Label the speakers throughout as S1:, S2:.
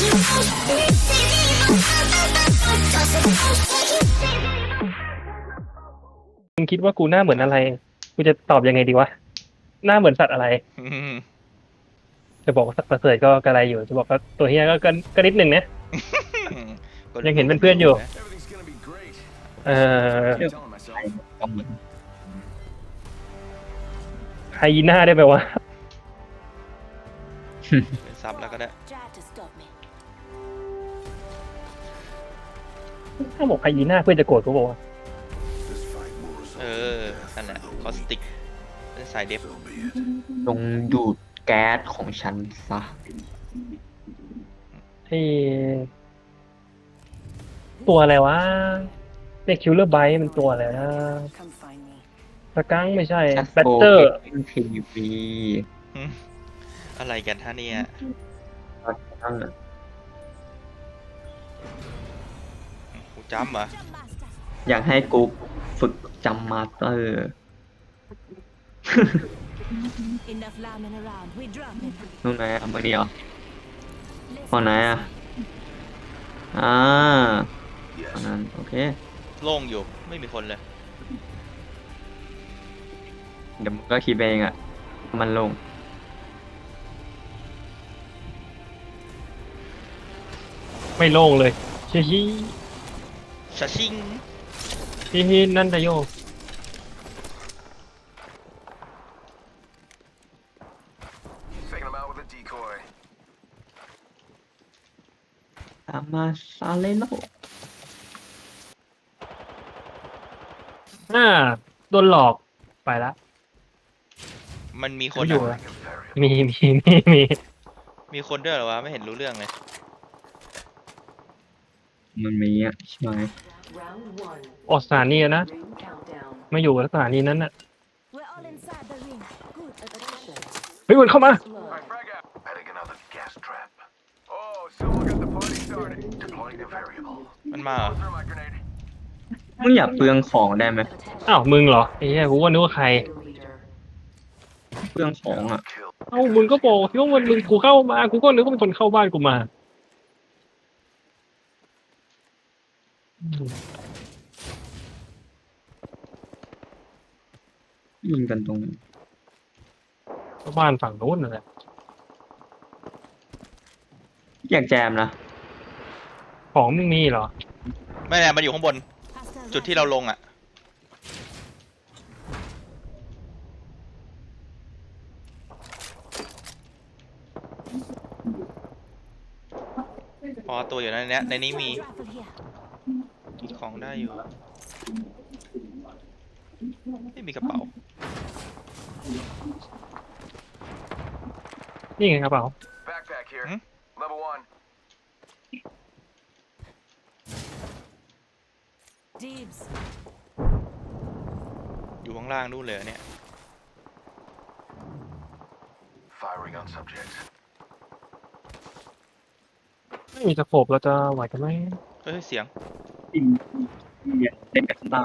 S1: มึงคิดว่ากูหน้าเหมือนอะไรกูจะตอบยังไงดีวะหน้าเหมือนสัตว์อะไรจะบอกว่าสัตว์ประเสริฐก็กระไรอยู่จะบอกว่าตัวเฮียก็นิดหนึ่งนะยังเห็นเป็นเพื่อนอยู่เอ่อไฮยีน่าได้ไหมวะ
S2: เป็นซับแล้วก็ได้
S1: ถ้าบอกไฮยีน่าเพื่อนจะโกรธกูบอกว่า
S2: นั่นแหละคอสติกเป็นสายเดฟ
S3: จงดูดแก๊สของฉันซะ
S1: ที่ตัวอะไรวะเรียกคิลเลอร์ไบต์มันตัวอะไรนะสกังไม่ใช่แบตเตอร์
S3: ทีวี
S2: อะไรกันท่าเนี่ยกูจำเหรอ
S3: อยากให้กูฝึกจำมาสเตอร์นู่นไหนอ่ะมาเดียวพอไหนอ่ะตอนนั้นโอเค
S2: โล่งอยู่ไม่มีคนเลย
S3: เดี๋ยวมึงก็คิดเองอ่ะมันลง
S1: ไม่โล่งเลยชิ
S2: ชาชิง
S1: นั่นตะโย
S3: ตามมาซาเลโล
S1: โดนหลอกไปละ
S2: มันมีคน
S1: อยู่
S2: มีคนด้วยเหรอวะไม่เห็นรู้เรื่องเลย
S3: มันมีอ่ะใช่ไหม
S1: ออกสถานีนะไม่อยู่สถานีนั้นน่ะเฮ้ยมันเข้ามา
S2: มันมาเหรอ
S3: มึงอย่าเปลืองของได้ไหม
S1: อ้าวมึงเหรอไอ้เหี้ยกูว่านึกว่าใคร
S3: เปลืองของอ่ะ
S1: เอ้ามึงก็บอกว่ามันมึงกูเข้ามากูก็นึกว่าเป็นคนเข้าบ้านกูมา
S3: ยิงกันตรงนี้
S1: บ้านฝั่งโน้นนั่นแหละ
S3: อยากแจมนะ
S1: ของมึงมีเหรอ
S2: ไม่แน่มันอยู่ข้างบนจุดที่เราลงอ่ะพอตัวอยู่ในนี้มีของได้อยู่ไม่มีกระเป๋า
S1: นี่ไงกระเป๋า
S2: อยู่ข้างล่างนู่นเลยเนี่ย
S1: ไม่มีสโคปเราจะไหวกันไหม
S2: เฮ้ยเสียง
S3: เล่นกับตา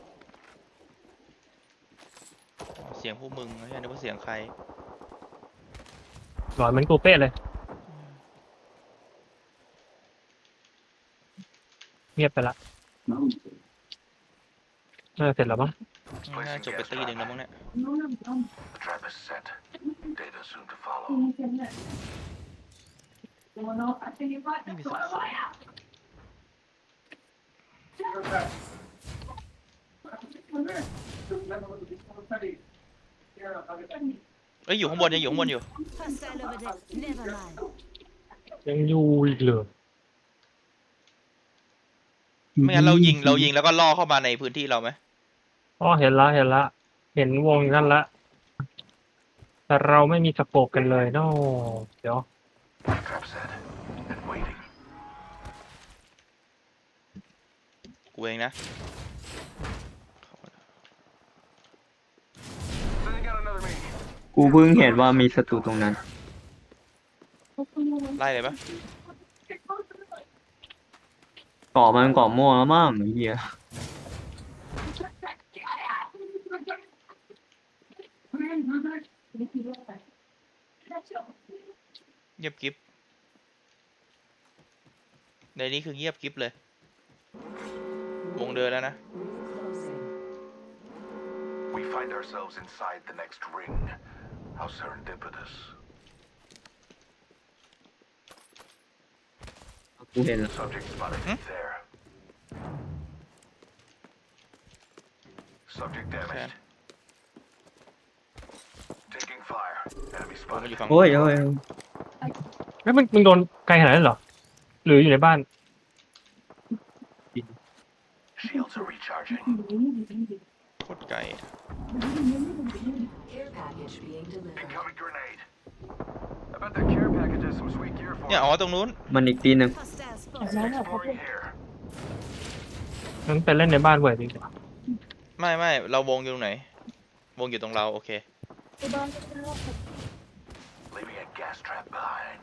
S2: เสียงพวกมึงไม่ใช่นึกว่าเสียงใคร
S1: หลอนเหมือนกูเป๊ะเลยเงียบไปละเสร็จแล้วมั้ง
S2: น่าจบไปตีหนึ่งแล้วมั้งเนี่ยไม่มีสักคนอยู่ข้างบนยังอยู่ข้างบนอยู่
S1: ยังอยู่อีกเลย
S2: ไม่งั้นเรายิงแล้วก็ล่อเข้ามาในพื้นที่เราไหม
S1: อ๋อเห็นละเห็นวงนั่นละแต่เราไม่มีสโคปกันเลยเนาะเดี๋ยว
S2: กูเองนะ
S3: กูเพิ่งเห็นว่ามีศัตรูตรงนั้น
S2: ไล่เลยปะ
S3: ก่อมันก่อมั่วแล้วมั้งไอ้เหี้ย
S2: เงียบกิ๊บในนี้คือเงียบกริบเลย วงเดินแล้วนะ
S4: We find ourselves inside the next ring. How serendipitous.
S3: กูเห็นแล้ว
S4: Subject spotted there. Subject damaged. Taking fire. Enemy
S2: ผมมัน
S4: spotted.
S2: อยู่ฝั่ง
S3: โอ้ยโอ้ย
S1: แล้วมึงโดนไกลขนาดนั้นเหรอหรืออยู่ในบ้าน
S4: Shields are recharging.
S2: โคตรไกล
S5: Care package being delivered.
S4: Incoming grenade. I bet that care package has some sweet gear for
S2: เนี่ย
S4: us.
S2: อ๋อตรงนู้น
S3: มันอีกตีหนึ่ง
S4: Exploring here.
S1: งั้นไปเล่นในบ้านเว้ยดีกว่า
S2: ไม่เราวงอยู่ตรงไหน วงอยู่ตรงเราโอเค
S4: Leaving a gas trap behind.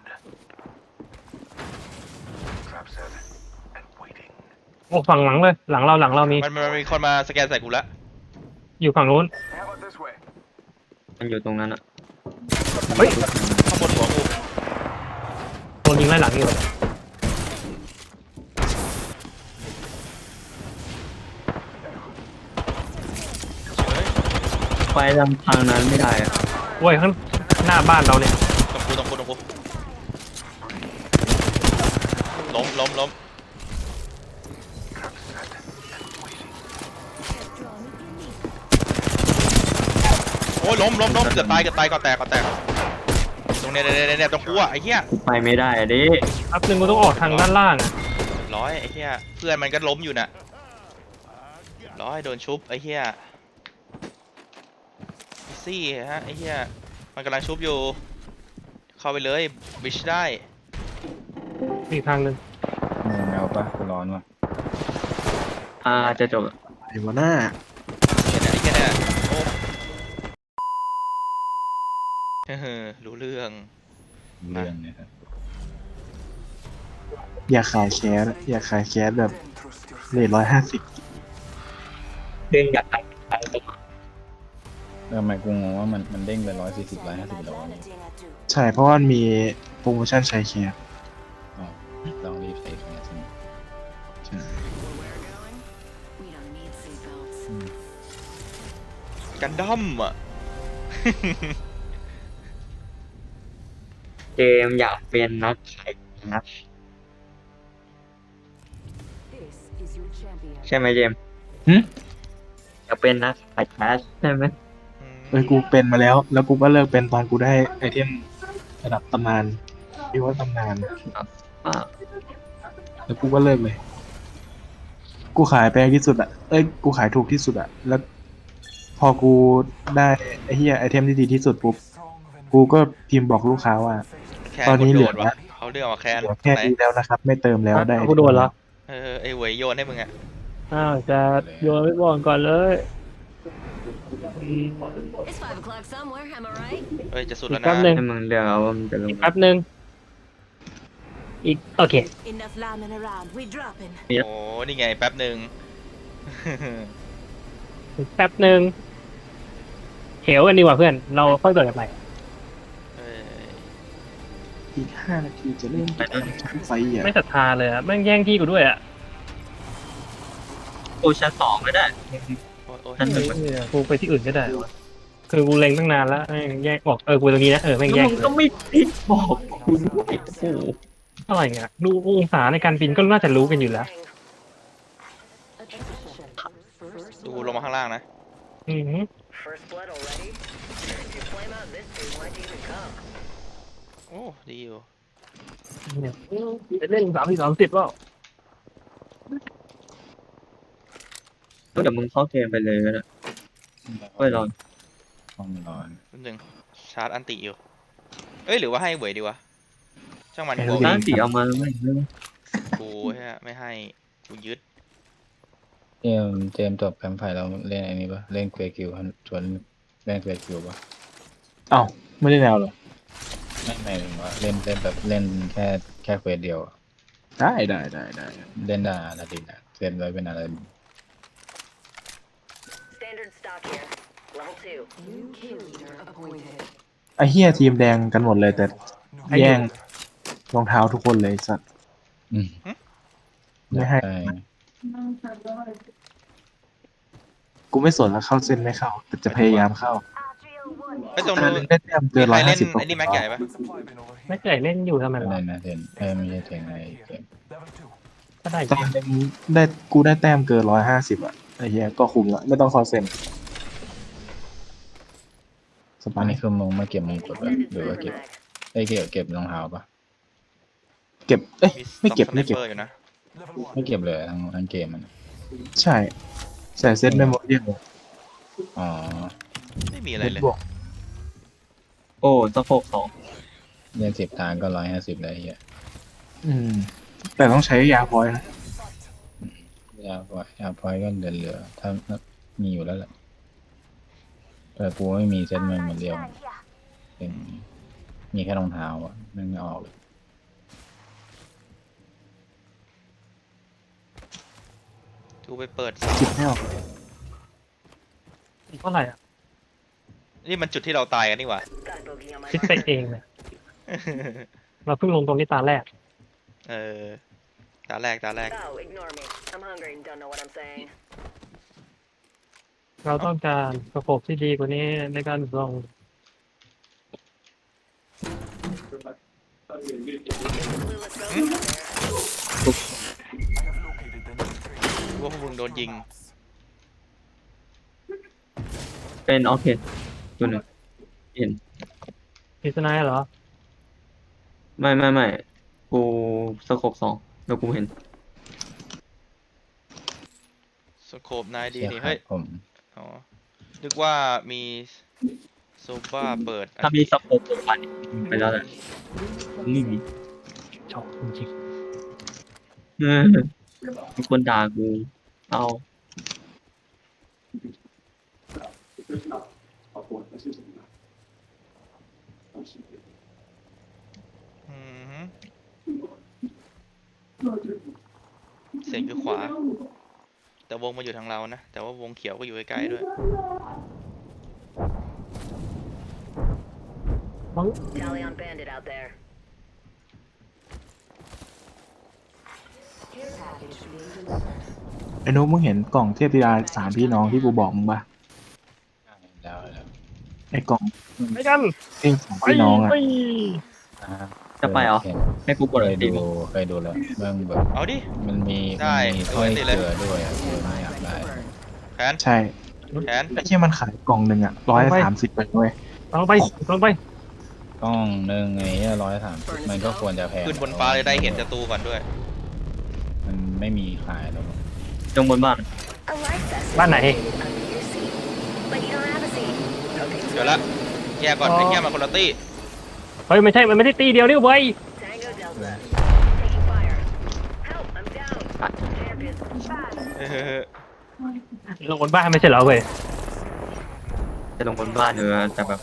S4: Trap set and waiting.
S1: โอ้ฝั่งหลังเลยหลังเรามี
S2: มันมีคนมาสแกนใส่กูละ
S1: อยู่ฝั่งนู้น
S4: How about this way?
S3: มันอยู่ตรงนั้นอ่ะ
S1: เฮ้ย
S2: ข้างบนหัวกู
S1: โดนยิงไล่หลังอยู่
S2: เฮ้ย
S3: ไปทางนั้นไม่ได้อ่ะ
S1: เว้ยข้างหน้าบ้านเราเนี่ย
S2: ตรงกูล้ม
S4: Trap set and waiting.
S2: โอ้ยล้มเกือบตายก่อนแตกตรงเนี่ยตรงกูอ่ะไอ้เหี้ย
S3: กูไปไม่ได้อ่ะดิ
S1: อัพหนึ่งกูต้องออกทางด้านล่างอะ
S2: ร้อยไอ้เหี้ยเพื่อนมันก็ล้มอยู่น่ะร้อยโดนชุบไอ้เหี้ยซี่ฮะไอ้เหี้ยมันกำลังชุบอยู่ เข้าไปเลยบิชได้
S1: อีกทางหนึ่ง
S6: แมวปะกูร้อนว่ะ
S3: จะจบ
S6: ไอ้วะหน้า
S2: ไอ้เหี้ยเนี่ยโอ้รู้เรื่อง
S6: เรื่องเนี่ยครับ
S7: อยากขายแคสแบบเรท150
S3: เด้งอยากไป
S6: ไม่กูงงว่ามันเด้งไป140 150แล้วนี่
S7: ใช่เพราะว่ามันมีโปรโมชั่นใช้แคส
S6: อ๋อต้องรีบใส่แคสใช่ไหม
S5: We don't need seatbelts.
S2: กันดั้มอ่ะ
S3: เจมอยากเป็นนักขายนะ
S5: This is your champion.
S3: ใช่ไหมเจมอยากเป็นนักขายแคชใช่ไหม
S7: กูเป็นมาแล้วกูก็เลิกเป็นตอนกูได้ไอเทมระดับตำนานที่ว่าตำนาน
S3: อ่า
S7: แล้วกูก็เลิกเลย กูขายแพงที่สุดอ่ะกูขายถูกที่สุดอ่ะแล้ว พอกูได้ไอเฮียไอเทมที่ดีที่สุดปุ๊บกูก็พิมพ์บอกลูกค้าว่า
S2: แค่
S7: ตอนนี้
S2: กด
S7: เห
S2: โด
S7: ลือ
S2: ดวะเขาเรียกว่าแคน
S7: เหลือแค่
S2: ไหน
S7: นี้แล้วนะครับ ไม่เติมแล้วได้
S1: กูโดนแล้ว
S2: ไอ้เหวยโยนให้มึงอ่ะ
S1: อ้าวจะโยนไปก่อนเลย
S5: It's 5 o'clock somewhere, am I right?
S2: เฮ้ยจะสุด
S1: อี
S2: แล้ว
S1: ก
S2: นะ
S1: แป๊บหนึ่ง
S3: ให้มึงเลือกเอาว่ามึงจะลง
S1: อีกแป๊บหนึ่งอีกโอเค
S5: Enough lambing around. We dropping.
S2: โอ้นี่ไงแป๊บหนึ่ง
S1: อีกแป๊บหนึ่งเหวกันดีกว่าเพื่อนเราค่อยเปิดกันไป
S2: เอ้ย
S7: อีก5 นาทีจะเริ่มชั้นไฟอ่ะ
S1: ไม่ศรัทธาเลยอะแม่งแย่งที่กูด้วยอะ
S3: โอ้ชั้น2ก็ได้
S2: โอ้ย
S3: นั่น
S1: กูไปที่อื่นก็ได้วะคือกูเล็งตั้งนานแล้วแม่งแยกออกกูตรงนี้นะแม่ง
S3: แล้ว
S1: แยก
S3: มึงก็ไม่ติดบอกกูด้วยโอ้โห
S1: อะไรเงี้ยดูองศาในการบินก็น่าจะรู้กันอยู่แล้ว
S2: ดูลงมาข้างล่างนะ
S1: อือหือ
S8: First blood already? If you flame out this soon, why'd you even come?
S2: โอ้ดีอยู่
S1: เนี่ยจะเล่น30ว่า
S3: เดี๋ยวมึงเข้าเกมไปเลยก็ได้เฮ้ยรอน
S6: ต้องร้อน
S2: แป๊บนึงชาร์จอันติอยู่เอ้ยหรือว่าให้เหวยดีวะช่างมันกู
S3: ร้านสีเอามาไม่
S2: กูฮะไม่ให้กูยึด
S6: เจมส์จบแคมป์ไฟเราเล่นไอ้นี้ปะเล่นเควกิวชวนเล่นเควกิวปะ
S7: เอ้าไม่ได้แนวเหรอ
S6: ไม่หมายถึงว่าเล่นแบบเล่นแค่เควสเดียวอะ
S7: ได้
S6: เล่นได้อาราดินอะเซนไว้เป็นอาราดิน
S8: Standard stock here. Level 2.
S5: New kill leader appointed.
S7: ไอเฮียทีมแดงกันหมดเลยแต่แย่งรองเท้าทุกคนเลยสัตว์
S6: อืม
S7: ไม่ให้
S6: ได้
S7: กูไม่สนแล้วเข้าเส้นไม่เข้าแต่จะพยายามเข้า
S2: ไอ้ตรง
S7: ถ้า
S2: นู้น
S7: ได้แต้มเกิน
S2: ใครเล่น
S7: 150
S2: ไอ้นี่แม็กใหญ่ปะ
S1: ไม่เคยเล่นอยู่ทำไม
S6: ก็
S1: วะ
S6: ได้นะเทนไม่ใช่เทนอะไรเกม
S1: ก็ได้
S7: ตอนนึงได้กูได้แต้มเกิน150อ่ะไอ้เหี้ยก็คุ้มละไม่ต้องเข้าเส้นส
S6: อั
S7: บาน ย
S6: นี้คือมึงมาเก็บมงกุฎปะหรือว่าเก็บเก็บรองเท้าปะ
S7: เก็บเอ้ย
S2: มี
S7: ไม่เก็บ
S2: ส
S7: ไม่เก็บ
S2: นปอร์อยู่นะ
S6: ไม่เก็บเลยทั้งเกมมัน
S7: ใช่ใส่เซตเมมโมเรียล
S6: อ๋อ
S2: ไม่มีอะไรเลย
S7: บวก
S3: โอ้สะโพกสอง
S6: เล่น10 ทางก็150เลยไอ้เฮีย
S7: แต่ต้องใช้ยาพอยต์นะ
S6: ยาพอยก็เหลือถ้ามีอยู่แล้วแหละแต่กูไม่มีเซ็ตมันเหมือนเดียวเป็นมีแค่รองเท้าอ่ะไม่ออกเลย
S2: กูไปเปิด
S7: คิดไม่ออก
S1: เท่าไหร่อ่ะ
S2: นี่มันจุดที่เราตายกันนี่หว่า
S8: Got bogey on my
S1: คิดไปเองเนี่ยเราเพิ่งลงตรงนี้ตาแรก
S2: เออตาแรก
S8: Oh, ignore me. I'm hungry and don't know what I'm saying.
S1: เราต้องการประกบที่ดีกว่านี้ในการลง
S8: Clueless ghost over there.
S2: ว่าพวกมึงโดนยิง
S3: เป็นออเคตัวหนึ่งเห็น
S1: พิษณายเหรอ
S3: ไม่กูสะโพกสองแล้วกูเห็น
S2: สโคปนายดี
S6: เสีย
S2: นี่
S6: หา
S2: เฮ้
S6: ย
S2: ย
S6: ผม
S2: อ๋อ นึกว่ามีโซฟาเปิด
S3: ถ้ามีสะโพกตัวพันไปแล้วแหละไม่มี
S1: ชอบจริง
S3: มีคนด่ากูเอา
S2: อือหือเสียงคือขวา แต่วงมาอยู่ทางเรานะ แต่ว่าวงเขียวก็อยู่ใกล้ๆด้วย
S8: Tally on bandit out there.
S5: Care package being delivered.
S7: ไอ้นุ๊กมึงเห็นกล่องเทพธิดา3 พี่น้องที่กูบอกมึงปะ
S6: แล้ว
S7: ไอ้กล่อง
S1: ๆไม่กัน
S7: เอง2 พี่น้องอ่ะ
S3: จะไปเหรอให้กูกด
S6: เค
S3: อะไร
S6: ย
S3: ดี
S6: ดูแล้วเรื่องแบบ
S2: เอาดิ
S6: มันมี
S2: ได้
S6: ถ้อย
S2: ดูไว้สิเลย
S6: เกลือด้วยอ่ะกูไม่อยากได้
S2: แผน
S7: ใช่
S2: แผน
S7: ไอ้ที่มันขายกล่องหนึ่งอ่ะ130ไปด้วย
S1: ลองไปลองไป
S6: กล้องหนึ่งไง130มันก็ควรจะแพง
S2: ขึ้นบนฟ้าเลยได้เห็นศัตรูก่อนด้วย
S6: มันไม่มีขายหรอก
S3: จงบนบ้าน
S8: A life vest.
S1: บ้านไหน
S8: Under your seat. But you don't have a seat. Okay,
S2: เดี๋ยวละแยกก่อนไอ้เหี้ยมันคนละตี้
S1: เฮ้ยไม่ใช่ มันไม่ได้ตีเดียวนี่เว้ย
S8: Tango Delta. Taking fire. Help, I'm down. Champion. Bad.
S2: เออ
S1: ลงบนบ้านไม่ใช่เหรอเว้ย
S3: จะลงบนบ้านแต่แบบ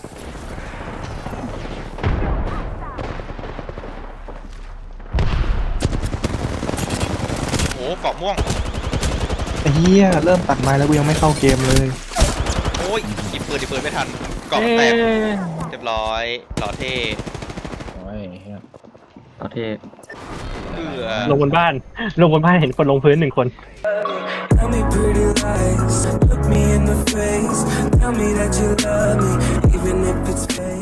S2: โอ้เกาะม่วง
S7: ไอ้เหี้ยเริ่มตัดไม้แล้วกูยังไม่เข้าเกมเลย
S2: โอ้ยหยิบปืนไม่ทัน เกาะแตกเรียบร้อยหล่อเท่
S6: โอ้ยเหี้ย
S3: เอาเท
S1: ลงบนบ้าน ลงบนบ้านเห็นคนลงพื้น1 คน
S9: Tell me pretty lies, look me in the face. Tell me that you love me, even if it's fake.